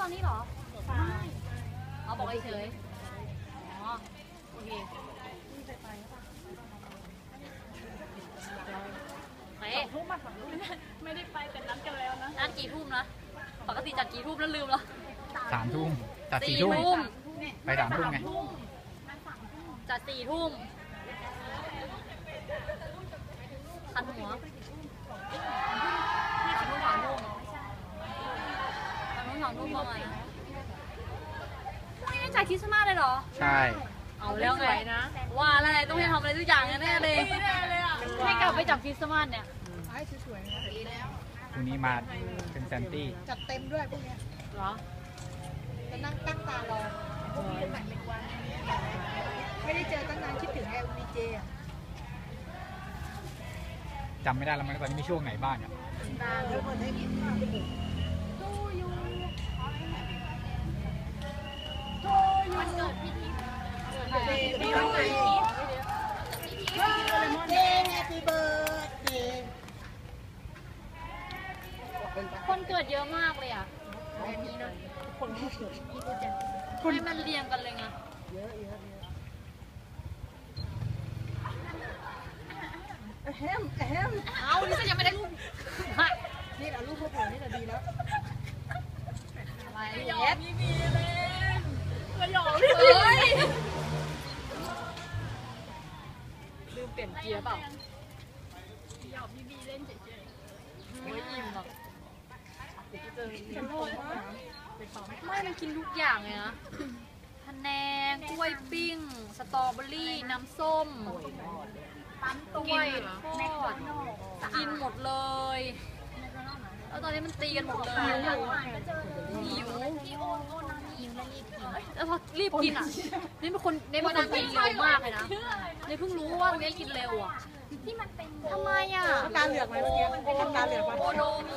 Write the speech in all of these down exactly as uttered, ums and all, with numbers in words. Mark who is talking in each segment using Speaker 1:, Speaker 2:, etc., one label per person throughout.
Speaker 1: อนนี้เหรอไม่เอาบอกเฉยอ๋อโอเคไปทุ่มมาฝั่งนู้นไม่ได้ไปแต่นัดกันแล้วนะนัดกี่ทุ่มนะปกติจัดกี่ทุ่มแล้วลืมเหรอ
Speaker 2: สามทุ่มจัดสี่ทุ่มไปสามทุ่มไง
Speaker 1: จัดสี่ทุ่มคันหัวคันทุ่มสามทุ่มคันทุ่มสามทุ่มประมาณนะไม่ได้จัดคริสต์มาสเลยเหรอ
Speaker 2: ใช่
Speaker 1: เอาแล้วไงนะว่าอะไรต้องให้ทำอะไรทุกอย่างแน่เลยให้กลับไปจับคริสต์มาสเนี่ย
Speaker 3: ให้สวยๆนะดีแล้ว
Speaker 2: พรุ่งนี้มาเป็นแซนตี้
Speaker 3: จัดเต็มด้วยพวกนี้
Speaker 1: เหรอ
Speaker 3: จะนั่งตั้งตารอพวกนี้เป็นแบบเป็นวันไม่ได้เจอตั้งนานคิดถึงแอลวีเจอ่ะ
Speaker 2: จำไม่ได้แล้วมันตอนนี้มีช่วงไหนบ้างอ่ะ
Speaker 3: นานแล้วคนได้ยิน
Speaker 1: วันเกิดพี่ทิพย์
Speaker 3: มีวันเกิดพี่ทิพย์เดย์แฮปปี้เบิร์ดเดย์
Speaker 1: คนเกิดเยอะมากเลยอ่ะแบบนี้นะคนเกิดให้มันเรียงกันเลยไง
Speaker 3: เยอะเยอะแฮมแฮม
Speaker 1: เอานี่ฉันยังไม่ได้รูป
Speaker 3: นี่แหละรูปพวกผมนี่แหละดีแล้ว
Speaker 1: อะไรเย็ดมีมีเลยกระหยองเลยลืมเปลี่ยนเกียร์เปล่าหยอกพี่บีเล่นเฉยๆไม่อิ่มหรอกไม่มันกินทุกอย่างเลยนะพะแนงกล้วยปิ้งสตรอเบอรี่น้ำส้มกล้วยทอดกินหมดเลยแล้วตอนนี้มันตีกันหมดเลยหิวแล้วพอรีบกินอ่ะนี่เป็นคนนี่เป็นคนกินเร็วมากเลยนะนี่เพิ่งรู้ว่าเนี่ยกินเร็วอ่ะที่มันเป็นทำไมอ่ะ
Speaker 3: ตาเหลือกไหมเมื่อกี้ตาเหลือกไหม
Speaker 1: โอโดม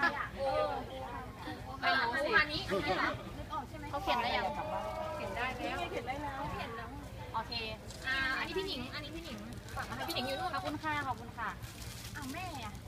Speaker 1: ไม่รู้สิเขาเขียนได้ยังเขียนได้แล้วเขียนได้แล้วเขียนแล้วโอเคอ่าอันนี้พี่หนิงอันนี้พี่หนิงฝากมาให้พี่หนิงอยู่ด้วยขอบคุณค่ะขอบคุณค่ะอ้าวแม่